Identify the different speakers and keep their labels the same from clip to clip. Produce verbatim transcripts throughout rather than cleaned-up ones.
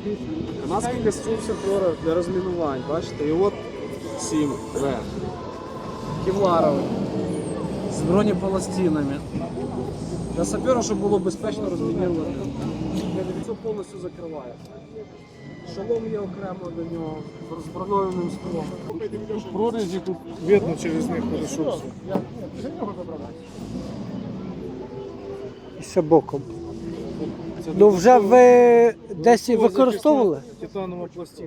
Speaker 1: Канадська конструкція для розмінувань, бачите, і от сім В. Кевларовий, з бронепластинами. Для сапера, щоб було безпечно розмінувати. Це повністю закриває. Шолом є окремо до нього, з броньованим склом.
Speaker 2: Тут прорізі, тут видно через них хорошо все.
Speaker 3: І ще боком.
Speaker 2: Це
Speaker 3: Ну вже ви десь
Speaker 2: додатково
Speaker 3: використовували?
Speaker 2: захисна Титанова пластина.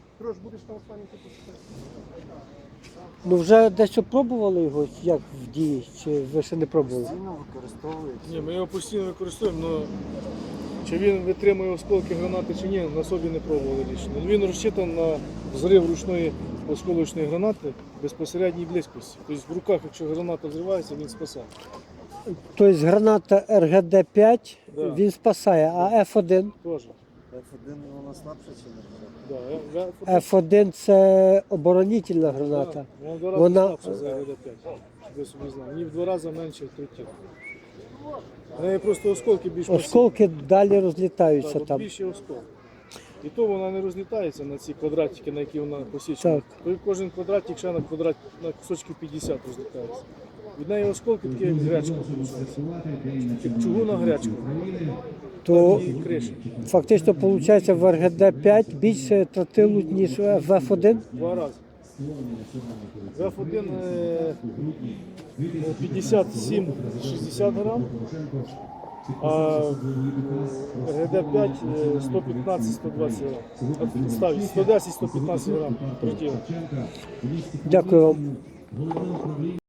Speaker 3: Ну вже десь пробували його, як в дії, чи ви ще не пробували?
Speaker 1: Постійно використовується.
Speaker 2: Ні, ми його постійно використовуємо, але чи він витримує осколки гранати чи ні, на собі не пробували лічно. Він розчитан на взрив ручної осколочної гранати безпосередній близькості. Тобто в руках, якщо граната взривається, він спасає.
Speaker 3: Тобто граната Р Г Д п'ять,
Speaker 2: Да.
Speaker 3: він спасає, а Ф один?
Speaker 2: Теж.
Speaker 1: Ф один вона слабша чи не?
Speaker 2: Да, я- я-
Speaker 3: Ф один це оборонительна граната.
Speaker 2: Да, вона в два рази
Speaker 3: Вона-
Speaker 2: слабша за Р Г Д п'ять, щоб ви собі знали. Ні в два рази менше третів. В неї просто осколки більш
Speaker 3: Осколки далі
Speaker 2: масивні.
Speaker 3: розлітаються
Speaker 2: Так, от
Speaker 3: там.
Speaker 2: більші осколки. І то вона не розлітається на ці квадратики, на які вона посічена.
Speaker 3: Так.
Speaker 2: То кожен квадратик ще на квадрат на кусочки п'ятдесят розлітається. Від неї осколки такі, як гречка, виходить. Як чугуна гречка.
Speaker 3: То
Speaker 2: І криші.
Speaker 3: фактично виходить в Р Г Д п'ять більше тротилу, ніж в Ф один.
Speaker 2: Два рази. В Ф один е, п'ятдесят сім шістдесят грам, а в Г Д п'ять е, сто п'ятнадцять сто двадцять грам. Ставить сто десять сто п'ятнадцять грам тротила.
Speaker 3: Дякую вам.